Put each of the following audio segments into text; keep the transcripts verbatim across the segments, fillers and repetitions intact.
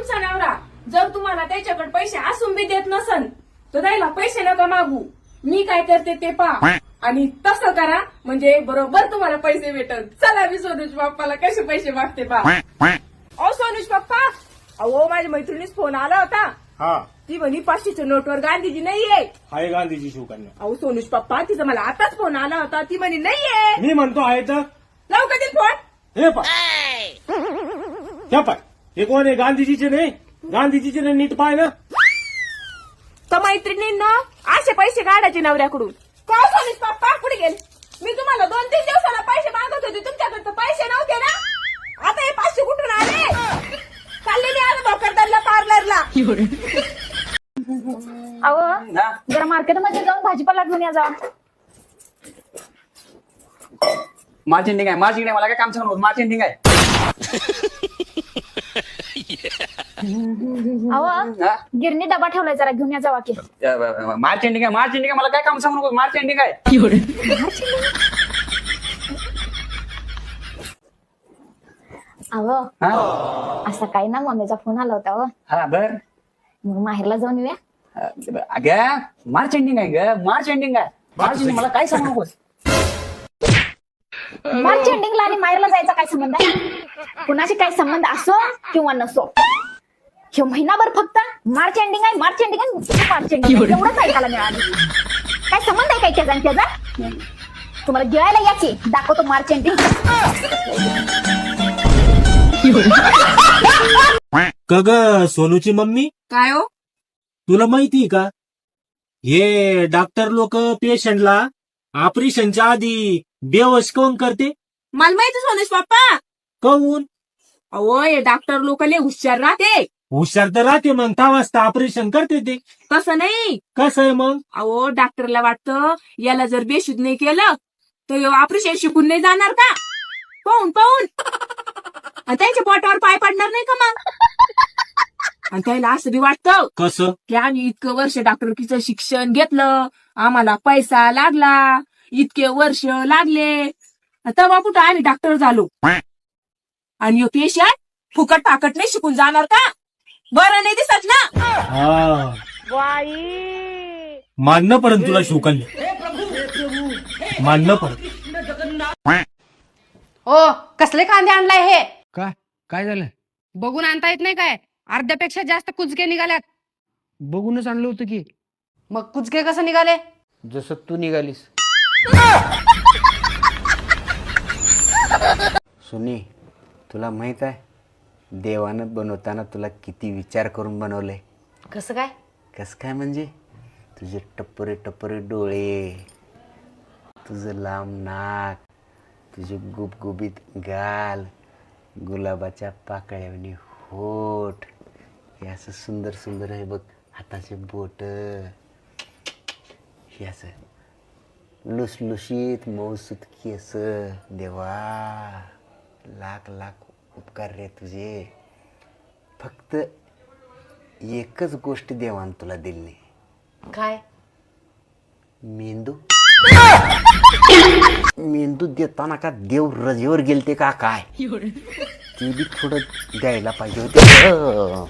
तुमचा नवरा जर तुम्हाला त्याच्याकडे पैसे असून बी देत नसन तर त्याला पैसे नका मागू. मी काय करते ते पहा आणि तसं करा म्हणजे बरोबर तुम्हाला पैसे भेटल. चला मी सोनूज बाप्पाला कसे पैसे मागते पहा. अहो सोनूज बाप्पा, अहो माझ्या मैत्रिणीच फोन आला होता. हा, ती म्हणी पाचशेच्या नोटवर गांधीजी नाहीये. आहे गांधीजी शिवकन्या. अहो सोनूज पप्पा, तिचा मला आताच फोन आला होता. ती म्हणे नाहीये. मी म्हणतो आहे तर लावू का ते फोन? हे पाय, हे पाय, हे कोण आहे? गांधीजीचे नाही, गांधीजीचे नाही. नीट पाय ना. तर मैत्रिणींना असे पैसे काढायचे नवऱ्याकडून. का सोनूज पप्पा कुठे गेले? मी तुम्हाला दोन तीन दिवसाला पैसे मागत होते, तुमच्याकडे तर पैसे नव्हते ना. आता हे पाचशे कुठून आले? चालले मी आज भोकरदनला पार्लरला. अहो जरा मार्केटमध्ये जाऊन भाजीपाला घेऊन या जा. मार्चेंडिंग आहे, मार्चेंडिंग आहे. मला काय काम सांगू, मार्चेंडिंग आहे. अहो गिरणी डबा ठेवलाय, जरा घेऊन या जावा की. मार्चेंडिंग आहे, मार्चेंडिंग आहे. मला काय काम सांगू नको, मार्चेंडिंग आहे. अहो हा असं काही ना, मम्मीचा फोन आला होता. अहो हा बर. मग माहेरला जाऊन येऊया. अगं मार्चेंडिंग आहे ग, मार्चेंडिंग आहे. मार्चेंडिंग मला काय सांगू नकोस. मार्च एंडिंगला आणि माहेरला जायचा काय संबंध आहे? कुणाशी काही संबंध असो किंवा नसो, हे महिनाभर फक्त मार्च एंडिंग आहे, मार्च एंडिंग आहे, मार्च एंडिंग एवढंच ऐकायला मिळालं. काय संबंध आहे काय त्याचा आणि त्याचा? तुम्हाला गिळायला याची दाखवतो मार्च एंडिंग. का ग सोनूची मम्मी, काय हो? तुला माहिती का हे डॉक्टर लोक पेशंटला ऑपरेशनच्या आधी बेवश कोण करते? मला माहिती सोनूज पप्पा. कहून? अहो हे डॉक्टर लोक लय हुशार राहते. हुशार तर राहते, मग दहा वाजता ऑपरेशन करते ते. तसं नाही. कसं आहे मग? अहो डॉक्टरला वाटतं याला जर बेशुद्ध नाही केलं तर ऑपरेशन शिकून नाही जाणार का? पाहून पाहून आणि त्यांच्या पोटावर पाय पडणार नाही का मग? आणि त्याला असं बी वाटतं कसं की आम्ही इतकं वर्ष डॉक्टरकीचं शिक्षण घेतलं, आम्हाला पैसा लागला, इतके वर्ष लागले, तेव्हा कुठं आम्ही डॉक्टर झालो आणि यो पेशंट फुकट फाकट नाही शिकून जाणार का? बरं नाही दिसत ना. हा मानणं पडन तुला शिवकन्या, मानणं पडन. ओ कसले कांदे आणलाय हे? काय काय झालं? बघून आणता येत नाही काय? अर्ध्यापेक्षा जास्त कुचके निघाल्यात. बघूनच आणलं होतं की. मग कुचके कसं निघाले? जसं तू निघालीस. सुनी, तुला माहित आहे देवानं बनवताना तुला किती विचार करून बनवलंय? कसं काय? कसं काय म्हणजे तुझे टप्परे टप्परे डोळे, तुझं लांब नाक, तुझे गुबगुबीत गाल, गुलाबाच्या पाकळ्यावनी होठ, हे असं सुंदर सुंदर आहे बघ, हाताचे बोट, हे असं लुसलुशीत मऊसूत केस. देवा लाख लाख उपकार रे तुझे. फक्त एकच गोष्ट देवान तुला दिली नाही. काय? मेंदू. मेंदू देताना का देव रजेवर गेलते का काय? ते बी थोडं द्यायला पाहिजे होते.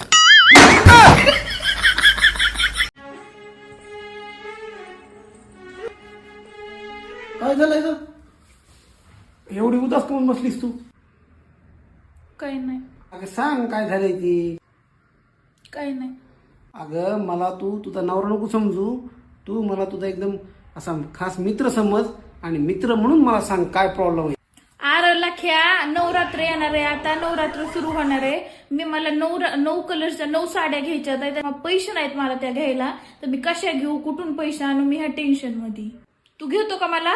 काय झालंय ग? एवढी उदास करून बसलीस तू? काही नाही. अगं सांग काय झालंय ती. काही नाही. अगं मला तू तुझा नवरा नको समजू, तू मला तुझा एकदम असा खास मित्र समज आणि मित्र म्हणून मला सांग काय प्रॉब्लेम आहे. आर लख्या, नवरात्र येणार आहे, आता नवरात्र सुरू होणार आहे. मी मला नऊ नऊ कलरच्या नऊ साड्या घ्यायच्या आहेत, पैसे नाहीत मला त्या घ्यायला, तर मी कशा घेऊ, कुठून पैसे आणू, मी ह्या टेन्शन मध्ये. तू घेतो का मला?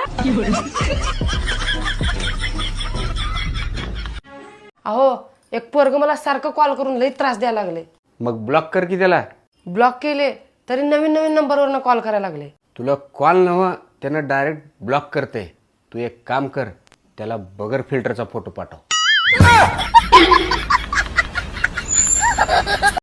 अहो एक पोरग मला सारखं कॉल करून लई त्रास द्यायला लागले. मग ब्लॉक कर की त्याला. ब्लॉक केले तरी नवीन नवीन नंबरवरनं कॉल करायला लागले. तुला कॉल नव्हा, त्यानं डायरेक्ट ब्लॉक करते. तू एक काम कर, त्याला बगर फिल्टरचा फोटो पाठव.